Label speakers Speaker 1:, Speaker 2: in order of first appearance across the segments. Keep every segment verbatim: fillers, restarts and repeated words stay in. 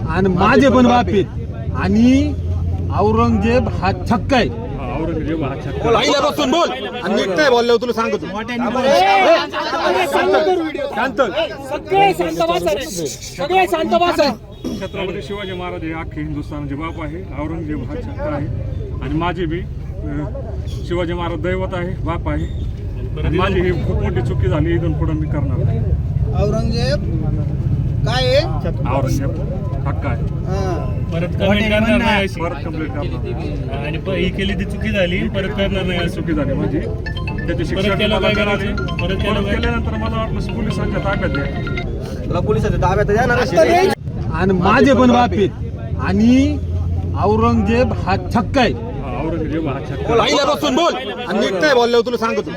Speaker 1: आणि माझे पण बाप आहेत आणि औरंगजेब हा छक्का आहे.
Speaker 2: औरंगजेब हा छक्का.
Speaker 1: पहिल्यापासून बोल आणि नीट नाही बोलल्यावर तुला सांगतो. शांत
Speaker 3: सगळे शांत बसा रे. सगळे शांत बसा.
Speaker 2: छत्रपती शिवाजी महाराज हे अख्खे हिंदुस्थानचे बाप आहे. औरंगजेब हा छक्का आहे आणि माझे बी अं, शिवाजी महाराज दैवत आहे, बाप आहे. आणि माझी ही खूप मोठी चुकी झाली, इथून पुढे मी करणार नाही.
Speaker 4: औरंगजेब काय आहे?
Speaker 2: औरंगजेब हक्का आहे.
Speaker 3: परत कमेंट करणार नाही अशी.
Speaker 2: परत कंप्लीट करणार.
Speaker 3: आणि प- ही केली ती चुकी झाली, परत करणार नाही अशी.
Speaker 2: चुकी झाली माझी. त्याची शिक्षा
Speaker 3: परत केलं
Speaker 2: मला
Speaker 3: काय
Speaker 2: मिळाली.
Speaker 3: करायचं? परत
Speaker 2: परत
Speaker 3: केलं काय?
Speaker 2: केल्यानंतर मला वाटलं पोलिसांच्या ताब्यात द्या.
Speaker 4: तुला पोलिसाच्या ताब्यात देणार
Speaker 1: आणि माझे पण बाप आहेत आणि औरंगजेब हा छक्का आहे.
Speaker 2: हा, औरंगजेब हा छक्का.
Speaker 1: पहिल्यापासून बोल आणि नीट नाही बोलल्यावर तुला सांगतो.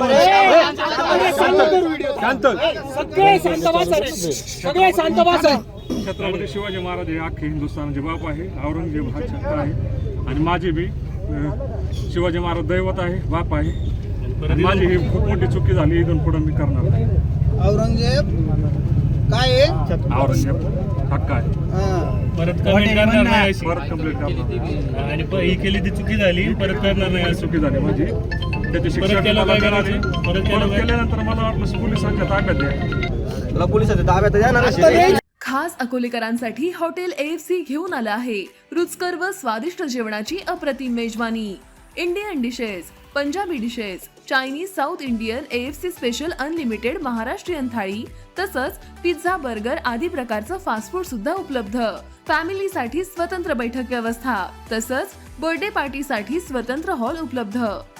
Speaker 1: शांत
Speaker 3: सगळे शांत बसा रे. सगळे शांत बसा.
Speaker 2: छत्रपती शिवाजी महाराज हे अख्खे हिंदुस्थानचे बाप आहे. औरंगजेब हा छक्का आहे आणि माझी बी अं, शिवाजी महाराज दैवत आहे, बाप आहे. आणि माझी ही खूप मोठी चुकी झाली, इथून पुढे मी करणार नाही.
Speaker 4: औरंगजेब काय आहे?
Speaker 2: औरंगजेब हक्का आहे.
Speaker 3: परत कमेंट करणार नाही अशी.
Speaker 2: परत कंप्लीट करणार.
Speaker 3: आणि प- ही केली ती चुकी झाली, परत करणार नाही अशी.
Speaker 2: चुकी झाली माझी. त्याची शिक्षा
Speaker 3: परत केलं
Speaker 2: मला
Speaker 3: काय
Speaker 2: मिळाली.
Speaker 3: करायचं? परत केलं
Speaker 2: परत
Speaker 3: काय?
Speaker 2: केल्यानंतर मला वाटलं पोलिसांच्या ताब्यात द्या.
Speaker 4: तुला पोलिसाच्या ताब्यात देणार
Speaker 5: खास अकोलेकरांसाठी हॉटेल एएफसी घेऊन आलं आहे रुचकर व स्वादिष्ट जेवणाची अप्रतिम मेजवानी. Indian dishes, Punjabi dishes, Chinese, south Indian, AFC special unlimited Maharashtrian thali तसंच पिझ्झा, बर्गर आदी प्रकारचं फास्ट फूड सुद्धा उपलब्ध. फॅमिलीसाठी स्वतंत्र बैठक व्यवस्था तसंच बर्थडे पार्टीसाठी स्वतंत्र हॉल उपलब्ध.